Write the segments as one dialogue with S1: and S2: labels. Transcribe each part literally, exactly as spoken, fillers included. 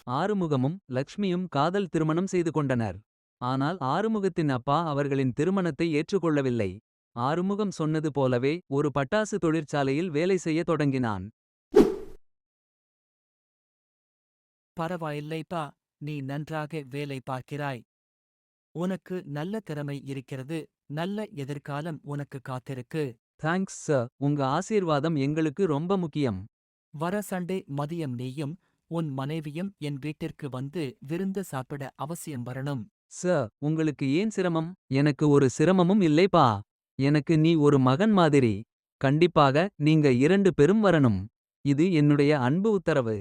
S1: ஆறுமுகமும் லக்ஷ்மியும் காதல் திருமணம் செய்து கொண்டனர். ஆனால் ஆறுமுகத்தின் அப்பா அவர்களின் திருமணத்தை ஏற்றுக்கொள்ளவில்லை. ஆறுமுகம் சொன்னது போலவே ஒரு பட்டாசு தொழிற்சாலையில் வேலை செய்ய தொடங்கினான்.
S2: பரவாயில்லைப்பா, நீ நன்றாக வேலை பார்க்கிறாய். உனக்கு நல்ல திறமை இருக்கிறது. நல்ல எதிர்காலம் உனக்கு காத்திருக்கு.
S1: தேங்க்ஸ் சார், உங்க ஆசீர்வாதம் எங்களுக்கு ரொம்ப முக்கியம்.
S2: வர சண்டே மதியம் நீயும் உன் மனைவியும் என் வீட்டிற்கு வந்து விருந்து சாப்பிட அவசியம் வரணும்.
S1: சார், உங்களுக்கு ஏன் சிரமம்? எனக்கு ஒரு சிரமமும் இல்லைப்பா. எனக்கு நீ ஒரு மகன் மாதிரி. கண்டிப்பாக நீங்க இரண்டு பேரும் வரணும். இது என்னுடைய அன்பு உத்தரவு.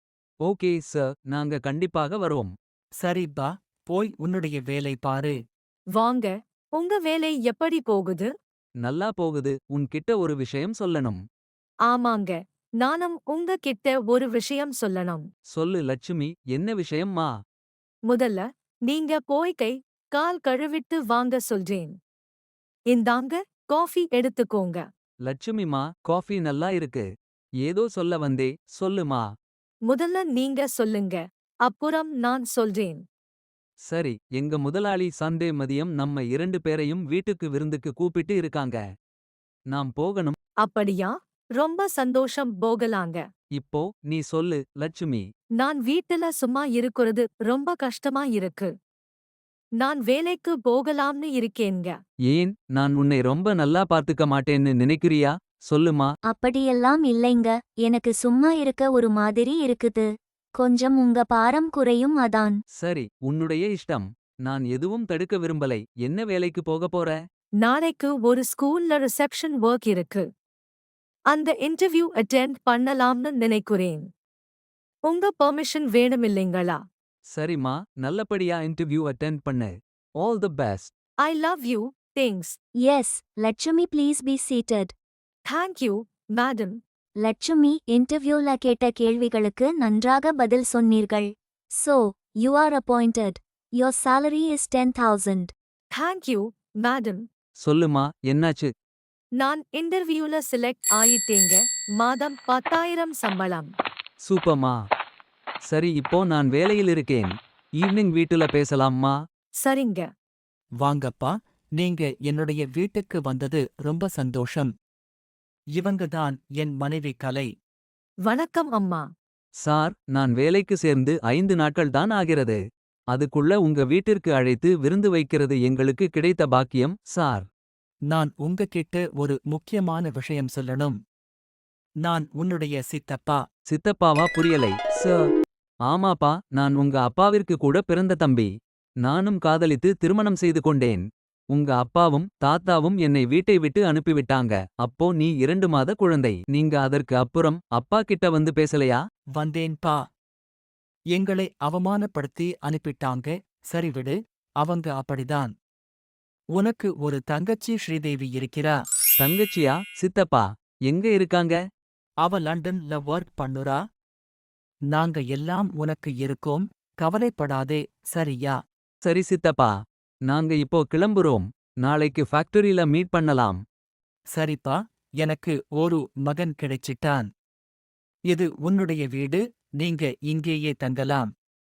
S1: ஓகே சார், நாங்க கண்டிப்பாக வருவோம்.
S2: சரிப்பா, போய் உன்னுடைய வேலை பாரு.
S3: வாங்க, உங்க வேலை எப்படி போகுது?
S1: நல்லா போகுது. உன்கிட்ட ஒரு விஷயம் சொல்லணும்.
S3: ஆமாங்க, நானும் உங்க கிட்ட ஒரு விஷயம் சொல்லணும்.
S1: சொல்லு லட்சுமி, என்ன விஷயம்மா?
S3: முதல்ல நீங்க போய் கை கால் கழுவிட்டு வாங்க சொல்றேன். இந்தாங்க, காஃபி எடுத்துக்கோங்க.
S1: லட்சுமிமா, காஃபி நல்லா இருக்கு. ஏதோ சொல்ல வந்தே, சொல்லுமா.
S3: முதல்ல நீங்க சொல்லுங்க, அப்புறம் நான் சொல்றேன்.
S1: சரி, எங்க முதலாளி சண்டே மதியம் நம்ம இரண்டு பேரையும் வீட்டுக்கு விருந்துக்கு கூப்பிட்டு இருக்காங்க. நாம் போகணும்.
S3: அப்படியா? ரொம்ப சந்தோஷம், போகலாங்க.
S1: இப்போ நீ சொல்லு லட்சுமி.
S3: நான் வீட்டுல சும்மா இருக்குறது ரொம்ப கஷ்டமா இருக்கு. நான் வேலைக்கு போகலாம்னு இருக்கேங்க.
S1: ஏன், நான் உன்னை ரொம்ப நல்லா பார்த்துக்க மாட்டேன்னு நினைக்கிறியா? சொல்லுமா.
S4: அப்படியெல்லாம் இல்லைங்க, எனக்கு சும்மா இருக்க ஒரு மாதிரி இருக்குது. கொஞ்சம் உங்க பாரம் குறையும் அதான்.
S1: சரி, உன்னுடைய இஷ்டம். நான் எதுவும் தடுக்க விரும்பலை. என்ன வேலைக்கு போக போற?
S3: நாளைக்கு ஒரு ஸ்கூல்ல ரிசப்ஷன் ஒர்க் இருக்கு. அந்த இன்டர்வியூ அட்டெண்ட் பண்ணலாம்னு நினைக்கிறேன். உங்க பெர்மிஷன் வேணுமில்லைங்களா?
S1: சரிம்மா, நல்லபடியா இன்டர்வியூ அட்டெண்ட் பண்ணு. All the best.
S3: I love you, thanks.
S4: Yes, Lakshmi please be seated.
S3: Thank you, madam.
S4: Lakshmi, இன்டர்வியூல கேட்ட கேள்விகளுக்கு நன்றாக பதில் சொன்னீர்கள். So, you are appointed. Your salary is ten thousand.
S3: Thank you, madam.
S1: சொல்லுமா, என்னாச்சு?
S3: நான் இன்டர்வியூல செலக்ட் ஆயிட்டேங்க. மாதம் பத்தாயிரம் சம்பளம்.
S1: சூப்பர்மா. சரி, இப்போ நான் வேலையில் இருக்கேன். ஈவினிங் வீட்டுல பேசலாம்மா.
S3: சரிங்க.
S2: வாங்கப்பா, நீங்க என்னுடைய வீட்டுக்கு வந்தது ரொம்ப சந்தோஷம். இவங்க தான் என் மனைவி கலை.
S3: வணக்கம் அம்மா.
S1: சார், நான் வேலைக்கு சேர்ந்து ஐந்து நாட்கள் தான் ஆகிறது. அதுக்குள்ள உங்க வீட்டிற்கு அழைத்து விருந்து வைக்கிறது எங்களுக்கு கிடைத்த பாக்கியம் சார்.
S2: நான் உங்ககிட்ட ஒரு முக்கியமான விஷயம் சொல்லணும். நான் உன்னுடைய சித்தப்பா.
S1: சித்தப்பாவா? புரியலை சார். ஆமாப்பா, நான் உங்க அப்பாவிற்கு கூட பிறந்த தம்பி. நானும் காதலித்து திருமணம் செய்து கொண்டேன். உங்க அப்பாவும் தாத்தாவும் என்னை வீட்டை விட்டு அனுப்பிவிட்டாங்க. அப்போ நீ இரண்டு மாத குழந்தை. நீங்க அதற்கு அப்புறம் அப்பா கிட்ட வந்து பேசலையா?
S2: வந்தேன்பா. எங்களை அவமானப்படுத்தி அனுப்பிட்டாங்க. சரி விடு, அவங்க அப்படிதான். உனக்கு ஒரு தங்கச்சி ஸ்ரீதேவி இருக்கிறா.
S1: தங்கச்சியா? சித்தப்பா, எங்க இருக்காங்க?
S2: அவ லண்டன்ல ஒர்க் பண்ணுறா. நாங்க எல்லாம் உனக்கு இருக்கோம், கவலைப்படாதே, சரியா?
S1: சரி சித்தப்பா, நாங்க இப்போ கிளம்புறோம். நாளைக்கு ஃபேக்டரியில மீட் பண்ணலாம்.
S2: சரிப்பா, எனக்கு ஒரு மகன் கிடைச்சிட்டான். இது உன்னுடைய வீடு, நீங்க இங்கேயே தங்கலாம்.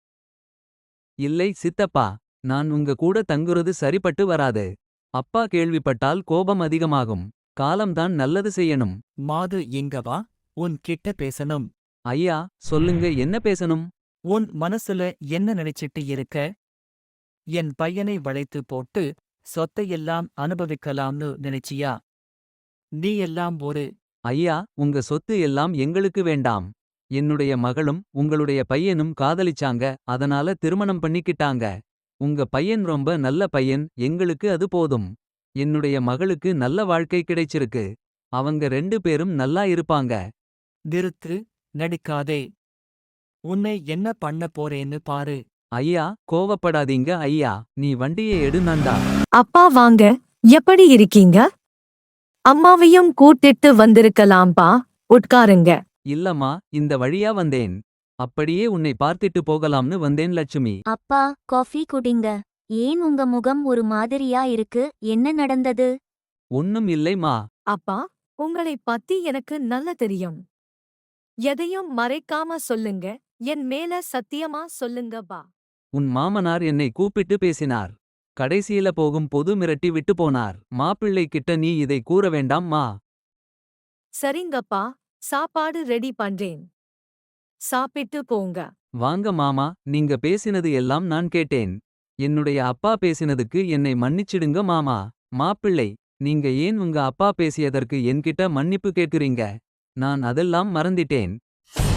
S1: இல்லை சித்தப்பா, நான் உங்க கூட தங்குறது சரிப்பட்டு வராது. அப்பா கேள்விப்பட்டால் கோபம் அதிகமாகும். காலம்தான் நல்லது செய்யணும்.
S2: மாது இங்க வா, உன் கிட்ட பேசணும்.
S1: ஐயா, சொல்லுங்க, என்ன பேசணும்?
S2: உன் மனசுல என்ன நினைச்சிட்டு இருக்க? என் பையனை வளைத்து போட்டு சொத்தையெல்லாம் அனுபவிக்கலாம்னு நினைச்சியா? நீ எல்லாம் ஒரு
S1: ஐயா, உங்க சொத்து எல்லாம் எங்களுக்கு வேண்டாம். என்னுடைய மகளும் உங்களுடைய பையனும் காதலிச்சாங்க, அதனால திருமணம் பண்ணிக்கிட்டாங்க. உங்க பையன் ரொம்ப நல்ல பையன், எங்களுக்கு அது போதும். என்னுடைய மகளுக்கு நல்ல வாழ்க்கை கிடைச்சிருக்கு. அவங்க ரெண்டு பேரும் நல்லா இருப்பாங்க.
S2: நிறுத்து, நடிக்காதே. உன்னை என்ன பண்ண போறேன்னு பாரு.
S1: ஐயா, கோவப்படாதீங்க ஐயா, நீ வண்டியை எடு நந்தா.
S3: அப்பா வாங்க, எப்படி இருக்கீங்க? அம்மாவையும் கூட்டிட்டு வந்திருக்கலாம்பா, உட்காருங்க.
S1: இல்லம்மா, இந்த வழியா வந்தேன். அப்படியே உன்னை பார்த்திட்டு போகலாம்னு வந்தேன் லட்சுமி.
S4: அப்பா, காஃபி குடிங்க. ஏன் உங்க முகம் ஒரு மாதிரியா இருக்கு, என்ன நடந்தது?
S1: ஒன்னும் இல்லைம்மா.
S3: அப்பா, உங்களை பத்தி எனக்கு நல்ல தெரியும். எதையும் மறைக்காம சொல்லுங்க, என் மேல சத்தியமா சொல்லுங்க பா.
S1: உன் மாமனார் என்னை கூப்பிட்டு பேசினார். கடைசியில போகும் பொது மிரட்டி விட்டு போனார். மாப்பிள்ளை கிட்ட நீ இதை கூற வேண்டாம் மா.
S3: சரிங்கப்பா, சாப்பாடு ரெடி பண்றேன். சாப்பிட்டு போங்க.
S1: வாங்க மாமா, நீங்க பேசினது எல்லாம் நான் கேட்டேன். என்னுடைய அப்பா பேசினதுக்கு என்னை மன்னிச்சிடுங்க மாமா. மாப்பிள்ளை, நீங்க ஏன் உங்க அப்பா பேசியதற்கு என்கிட்ட மன்னிப்பு கேட்குறீங்க? நான் அதெல்லாம் மறந்திட்டேன்.